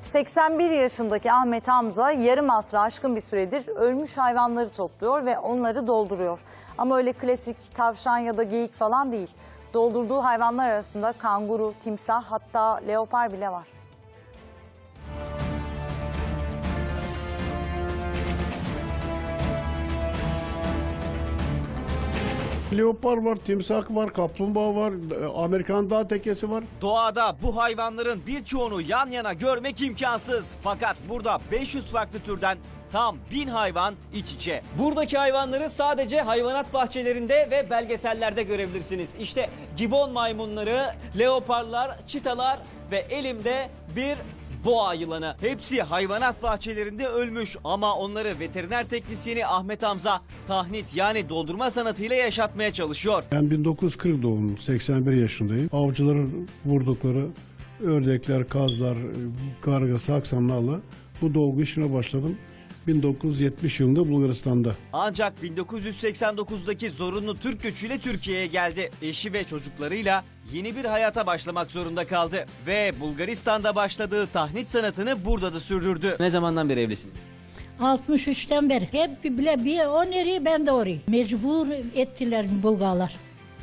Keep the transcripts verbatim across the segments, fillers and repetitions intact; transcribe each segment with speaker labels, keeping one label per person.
Speaker 1: seksen bir yaşındaki Ahmet Hamza yarım asra aşkın bir süredir ölmüş hayvanları topluyor ve onları dolduruyor. Ama öyle klasik tavşan ya da geyik falan değil. Doldurduğu hayvanlar arasında kanguru, timsah, hatta leopar bile var.
Speaker 2: Leopar var, timsah var, kaplumbağa var, Amerikan dağ tekesi var.
Speaker 3: Doğada bu hayvanların birçoğunu yan yana görmek imkansız. Fakat burada beş yüz farklı türden tam bin hayvan iç içe. Buradaki hayvanları sadece hayvanat bahçelerinde ve belgesellerde görebilirsiniz. İşte gibon maymunları, leoparlar, çitalar ve elimde bir boğa yılanı. Hepsi hayvanat bahçelerinde ölmüş ama onları veteriner teknisyeni Ahmet Hamza tahnit yani doldurma sanatıyla yaşatmaya çalışıyor.
Speaker 2: Ben bin dokuz yüz kırk doğumluyum, seksen bir yaşındayım. Avcıların vurdukları ördekler, kazlar, karga, saksanlarla bu dolgu işine başladım. bin dokuz yüz yetmiş yılında Bulgaristan'da.
Speaker 3: Ancak bin dokuz yüz seksen dokuzdaki zorunlu Türk göçüyle Türkiye'ye geldi. Eşi ve çocuklarıyla yeni bir hayata başlamak zorunda kaldı. Ve Bulgaristan'da başladığı tahnit sanatını burada da sürdürdü. Ne zamandan beri evlisiniz?
Speaker 4: altmış üçten beri. Hep bile bir o nereye ben de oraya. Mecbur ettiler Bulgarlar.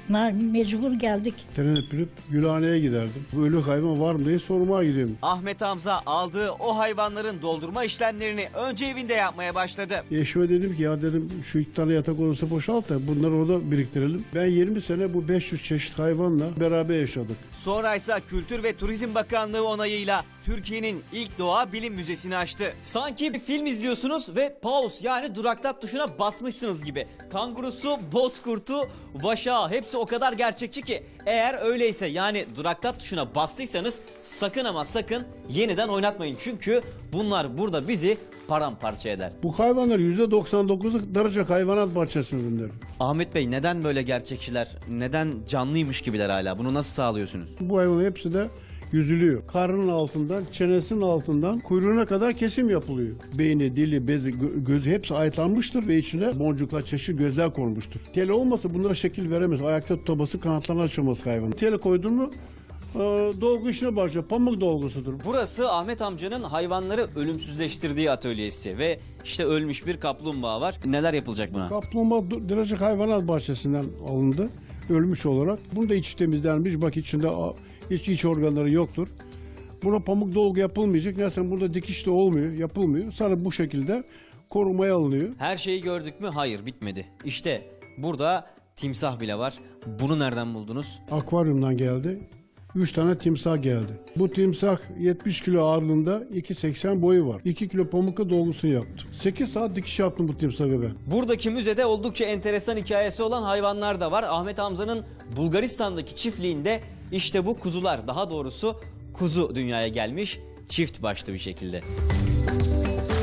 Speaker 4: Mecbur geldik.
Speaker 2: Tren binip Gülhane'ye giderdim. Bu ölü hayvan var mı diye sormaya gidiyorum.
Speaker 3: Ahmet Hamza aldığı o hayvanların doldurma işlemlerini önce evinde yapmaya başladı.
Speaker 2: Eşime dedim ki ya dedim şu iki tane yatak odası boşalt da bunları orada biriktirelim. Ben yirmi sene bu beş yüz çeşit hayvanla beraber yaşadık.
Speaker 3: Sonra ise Kültür ve Turizm Bakanlığı onayıyla Türkiye'nin ilk doğa bilim müzesini açtı. Sanki bir film izliyorsunuz ve pause yani duraklat tuşuna basmışsınız gibi. Kangurusu, bozkurtu, vaşağı hepsi o kadar gerçekçi ki eğer öyleyse yani duraklat tuşuna bastıysanız sakın ama sakın yeniden oynatmayın. Çünkü bunlar burada bizi paramparça eder.
Speaker 2: Bu hayvanlar yüzde doksan dokuzu Darıcak Hayvanat Bahçesi ürünleri.
Speaker 3: Ahmet Bey neden böyle gerçekçiler? Neden canlıymış gibiler hala? Bunu nasıl sağlıyorsunuz?
Speaker 2: Bu hayvanın hepsi de yüzülüyor. Karnının altından, çenesinin altından kuyruğuna kadar kesim yapılıyor. Beyni, dili, bezi, gö- gözü hepsi ayıtlanmıştır ve içine boncuklar, çeşitli gözler konmuştur. Teli olmasa bunlara şekil veremez. Ayakta tutaması, kanatlarına açılması hayvanın. Teli koydun mu e, dolgu işine başlıyor. Pamuk dolgusudur.
Speaker 3: Burası Ahmet amcanın hayvanları ölümsüzleştirdiği atölyesi ve işte ölmüş bir kaplumbağa var. Neler yapılacak buna?
Speaker 2: Kaplumbağa Darıcak Hayvanat Bahçesi'nden alındı. Ölmüş olarak. Bunu da içi temizlenmiş. Bak içinde iç, iç organları yoktur. Buna pamuk dolgu yapılmayacak. Neyse burada dikiş de olmuyor, yapılmıyor. Sadece bu şekilde korumaya alınıyor.
Speaker 3: Her şeyi gördük mü? Hayır, bitmedi. İşte burada timsah bile var. Bunu nereden buldunuz?
Speaker 2: Akvaryumdan geldi. Üç tane timsah geldi. Bu timsah yetmiş kilo ağırlığında, iki seksen boyu var. iki kilo pamukla dolgusunu yaptım. sekiz saat dikiş yaptım bu timsahı ben.
Speaker 3: Buradaki müzede oldukça enteresan hikayesi olan hayvanlar da var. Ahmet Hamza'nın Bulgaristan'daki çiftliğinde işte bu kuzular, daha doğrusu kuzu dünyaya gelmiş çift başlı bir şekilde.